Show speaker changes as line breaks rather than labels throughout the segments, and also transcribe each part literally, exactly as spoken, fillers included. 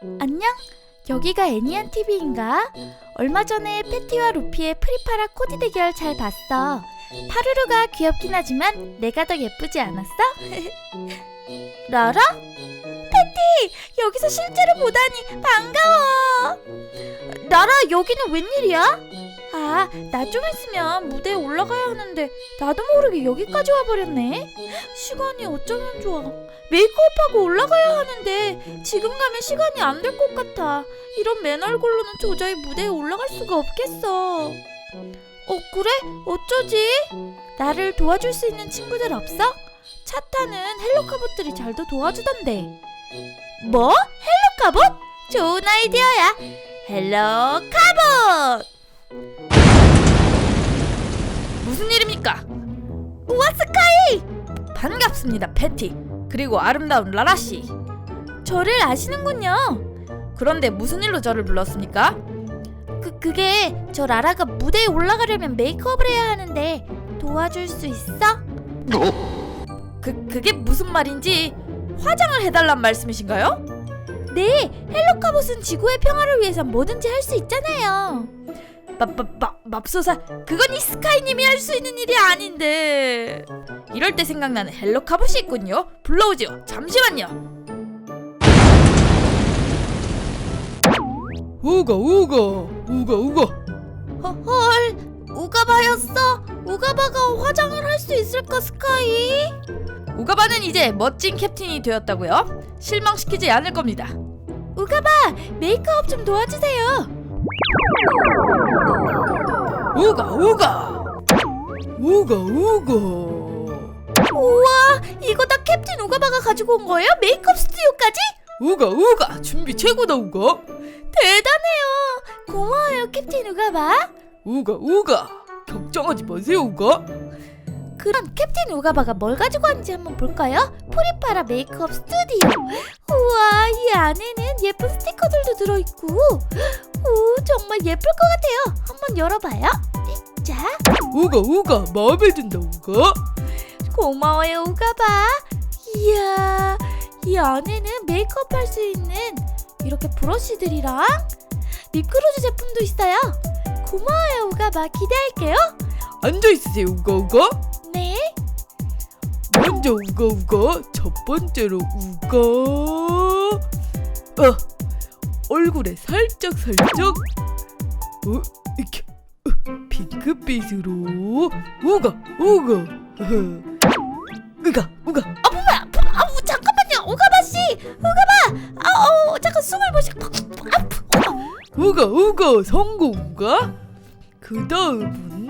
안녕? 여기가 애니안티비인가? 얼마 전에 패티와 루피의 프리파라 코디 대결 잘 봤어. 파루루가 귀엽긴 하지만 내가 더 예쁘지 않았어? 라라? 패티! 여기서 실제로 보다니 반가워! 라라, 여기는 웬일이야? 아, 나 좀 있으면 무대에 올라가야 하는데 나도 모르게 여기까지 와버렸네. 시간이 어쩌면 좋아. 메이크업하고 올라가야 하는데 지금 가면 시간이 안 될 것 같아. 이런 맨 얼굴로는 도저히 무대에 올라갈 수가 없겠어. 어, 그래? 어쩌지? 나를 도와줄 수 있는 친구들 없어? 차 타는 헬로카봇들이 잘도 도와주던데. 뭐? 헬로카봇? 좋은 아이디어야. 헬로카봇!
무슨 일입니까?
우와, 스카이!
반갑습니다, 패티. 그리고 아름다운 라라씨.
저를 아시는군요.
그런데 무슨 일로 저를 불렀습니까?
그, 그게 저 라라가 무대에 올라가려면 메이크업을 해야 하는데 도와줄 수 있어?
그, 그게 무슨 말인지 화장을 해달란 말씀이신가요?
네, 헬로카봇은 지구의 평화를 위해서 뭐든지 할 수 있잖아요.
맙맙맙 맙소사, 그건 이 스카이님이 할 수 있는 일이 아닌데. 이럴 때 생각나는 헬로카봇이 있군요. 불러오지요. 잠시만요.
우가 우가 우가 우가.
허, 헐, 우가바였어? 우가바가 화장을 할 수 있을까, 스카이?
우가바는 이제 멋진 캡틴이 되었다고요? 실망시키지 않을 겁니다.
우가바, 메이크업 좀 도와주세요.
우가 우가 우가 우가.
우와, 이거 다 캡틴 우가바가 가지고 온 거예요? 메이크업 스튜디오까지?
우가 우가 준비 최고다 우가.
대단해요. 고마워요, 캡틴 우가바.
우가 우가 걱정하지 마세요 우가.
그럼 캡틴 우가바가 뭘 가지고 왔는지 한번 볼까요? 프리파라 메이크업 스튜디오. 우와, 이 안에는 예쁜 스티커들도 들어있고, 오, 정말 예쁠 것 같아요. 한번 열어봐요. 자,
우가 우가 마음에 든다 우가.
고마워요, 우가바. 이야, 이 안에는 메이크업 할 수 있는 이렇게 브러쉬들이랑 립그로즈 제품도 있어요. 고마워요, 우가바. 기대할게요.
앉아 있으세요 우가 우가.
네.
먼저 우가 우가 첫 번째로 우가. 어, 얼굴에 살짝 살짝 어, 이렇게 어, 핑크빛으로 우가 우가. 어허. 우가 우가.
아, 뭐야? 아우, 잠깐만요, 우가바 씨. 우가바. 아우, 잠깐 숨을 못 쉬고.
우가 우가 성공 우가. 그 다음은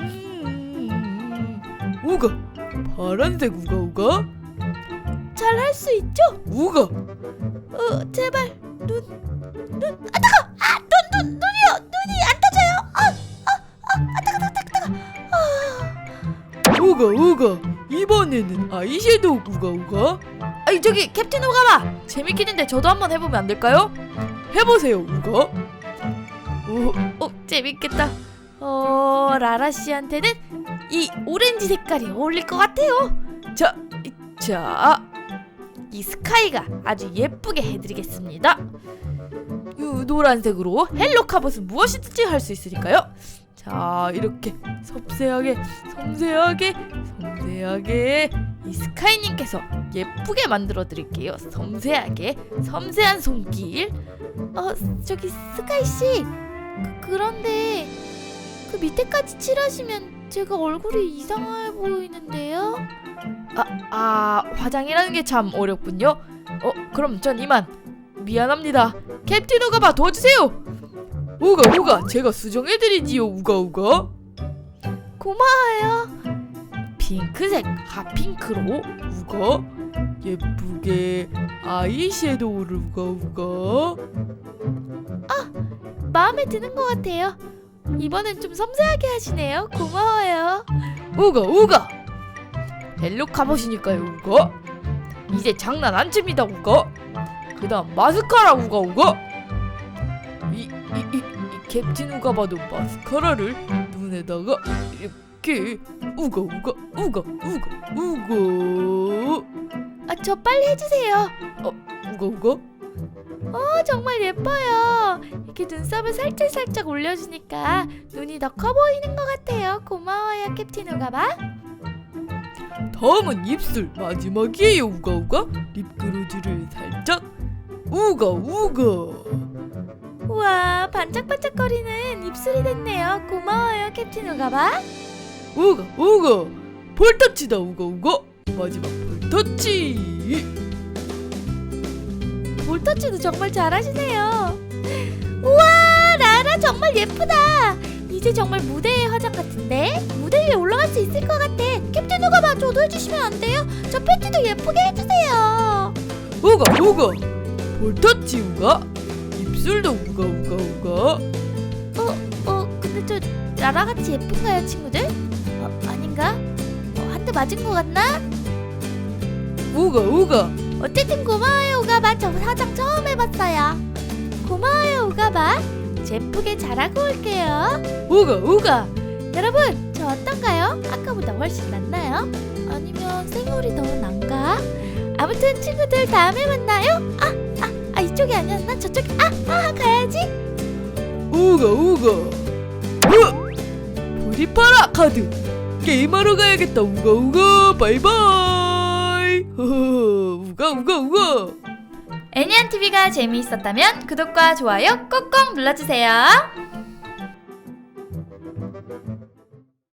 우가 파란색 우가 우가.
잘 할 수 있죠?
우가.
어, 제발 눈, 눈. 아, 따가. 아, 눈, 눈, 눈이요. 눈이 안 떠져요. 아, 아, 아, 아, 따가, 따가, 따가, 따가. 아,
우가 우가. 이번에는 아이섀도우 우가 우가.
아니, 저기 캡틴 우가바, 재밌긴 한데 저도 한번 해보면 안 될까요?
해보세요 우가.
어, 어 재밌겠다. 어, 라라 씨한테는 이 오렌지 색깔이 어울릴 것 같아요. 자, 이, 자, 이 스카이가 아주 예쁘게 해드리겠습니다. 이 노란색으로 헬로카봇은 무엇이든지 할 수 있으니까요. 자, 이렇게 섬세하게, 섬세하게, 섬세하게 이 스카이님께서 예쁘게 만들어드릴게요. 섬세하게, 섬세한 손길.
어, 저기 스카이 씨. 그, 그런데 그 밑에까지 칠하시면 제가 얼굴이 이상해 보이는데요?
아, 아, 화장이라는 게 참 어렵군요. 어, 그럼 전 이만. 미안합니다. 캡틴 우가바 도와주세요.
우가 우가 제가 수정해드리지요 우가 우가.
고마워요.
핑크색 핫핑크로
우가 예쁘게 아이섀도우를 우가 우가.
마음에 드는 것 같아요. 이번엔 좀 섬세하게 하시네요. 고마워요.
우가 우가.
헬로카봇이니까요 우가. 이제 장난 안 칩니다 우가. 그 다음 마스카라 우가 우가. 이, 이, 이, 이 캡틴 우가바도 마스카라를 눈에다가 이렇게 우가 우가 우가 우가 우가.
아, 저 빨리 해주세요.
어, 우가 우가.
어, 정말 예뻐요. 이렇게 눈썹을 살짝살짝 올려주니까 눈이 더 커 보이는 것 같아요. 고마워요, 캡틴 우가바.
다음은 입술 마지막이에요 우가우가. 립그로즈를 살짝 우가 우가.
우와, 반짝반짝거리는 입술이 됐네요. 고마워요, 캡틴 우가바.
우가 우가. 볼터치다 우가 우가. 마지막 볼터치.
볼터치도 정말 잘하시네요. 우와, 라라 정말 예쁘다. 이제 정말 무대의 화장 같은데? 무대 위에 올라갈 수 있을 것 같아. 캡틴 우가바, 저도 해주시면 안 돼요? 저 팬티도 예쁘게 해주세요.
우가 우가. 볼터치 우가. 입술도 우가 우가 우가.
어, 어, 근데 저 라라같이 예쁜가요, 친구들? 어, 아닌가? 어, 한 대 맞은 것 같나?
우가 우가.
어쨌든 고마워요, 우가바. 저 화장 처음 해봤어요. 고마워요, 우가바. 예쁘게 잘하고 올게요.
우가 우가.
여러분, 저 어떤가요? 아까보다 훨씬 낫나요? 아니면 생얼이 더 난가? 아무튼 친구들, 다음에 만나요. 아, 아, 아, 이쪽이 아니었나? 저쪽이. 아, 아, 가야지.
우가 우가. 으! 프리파라 카드. 게임하러 가야겠다 우가 우가. 바이바이. 허허. 우가 우가 우가.
애니안티비가 재미있었다면 구독과 좋아요 꼭꼭 눌러주세요.